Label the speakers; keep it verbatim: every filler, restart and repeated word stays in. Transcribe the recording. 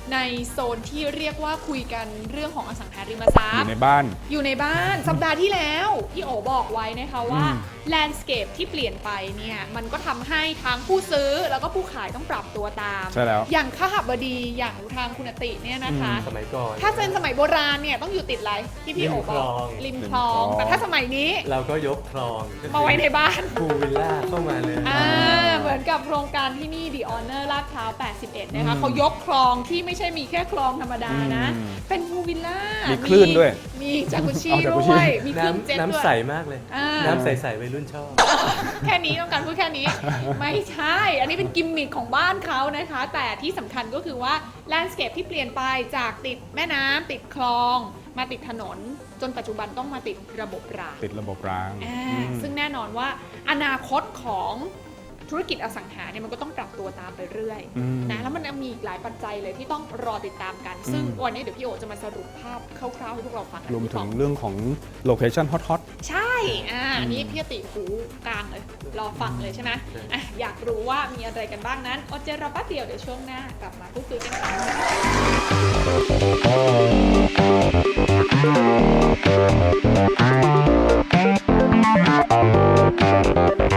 Speaker 1: ในโซนที่เรียกว่าคุยกันเรื่องของอสังหาริมทรัพย์
Speaker 2: อยู่ในบ้าน
Speaker 1: อยู่ในบ้านสัปดาห์ที่แล้วพี่โอบอกไว้นะคะว่า
Speaker 2: อืม
Speaker 1: แลนด์สเคปที่เปลี่ยนไปเนี่ยมันก็ทำให้ทั้งผู้ซื้อแล้วก็ผู้ขายต้องปรับตัวตาม
Speaker 2: ใช่แล้ว
Speaker 1: อย่างข้าหบดีอย่างทางคุณติเนี่ยนะคะ
Speaker 3: สมัยก่อน
Speaker 1: ถ้าเป็นสมัยโบราณเนี่ยต้องอยู่ติดอะไรที่พี่โอบอกริมคลอง แต่ถ้าสมัยนี้
Speaker 3: เราก็ยกคลอง
Speaker 1: มาไว้ในบ้าน
Speaker 3: พูลวิลล่าเข้ามาเลย
Speaker 1: อ่าเหมือนกับโครงการที่นี่ The Honor ลาดพร้าว แปดสิบเอ็ด นะคะ
Speaker 2: อืม
Speaker 1: เขายกคลองที่ไม่ใช่มีแค่คลองธรรมดานะ
Speaker 2: อืม
Speaker 1: เป็นพูลวิลล่า
Speaker 2: มี
Speaker 1: มี
Speaker 2: คลื่นด้วย
Speaker 1: มีจากุชิ
Speaker 2: เอาจากุ
Speaker 1: ด้
Speaker 2: ชิ
Speaker 1: วย มีเครื่องเจ็ต
Speaker 3: น้ำ
Speaker 1: ด้ว
Speaker 3: น้ำใส
Speaker 1: ย
Speaker 3: มากเลย
Speaker 1: อ่า
Speaker 3: น้ำใสๆวัยรุ่นชอบ
Speaker 1: แค่นี้ต้องการพูดแค่นี้ ไม่ใช่ อันนี้เป็นกิมมิคของบ้านเขานะคะ แต่ที่สำคัญก็คือว่าแลนด์สเคปที่เปลี่ยนไปจากติดแม่น้ำติดคลอง มาติดถนน จนปัจจุบันต้องมาติดระบบราง
Speaker 2: ติดระบบราง
Speaker 1: อ่า
Speaker 2: อืม
Speaker 1: ซึ่งแน่นอนว่าอนาคตของธุรกิจอสังหาเนี่ยมันก็ต้องปรับตัวตามไปเรื่อย
Speaker 2: อืม
Speaker 1: นะแล้วมันมีอีกหลายปัจจัยเลยที่ต้องรอติดตามกัน ซึ่ง
Speaker 2: อืม
Speaker 1: วันนี้เดี๋ยวพี่โอจะมาสรุปภาพคร่าวๆให้พวกเราฟังกัน
Speaker 2: รวมถึง
Speaker 1: พี่ปอ
Speaker 2: เรื่องของโลเคชั่นฮอต
Speaker 1: ใช่ อ่าอันนี้พี่ติหูกลางเลย รอฟังเลยใช่ไหมอ่ะอยากรู้ว่ามีอะไรกันบ้างนั้นอดใจรอแป๊บเดียวเดี๋ยวช่วงหน้ากลับมาพูดคุยกันค่ะ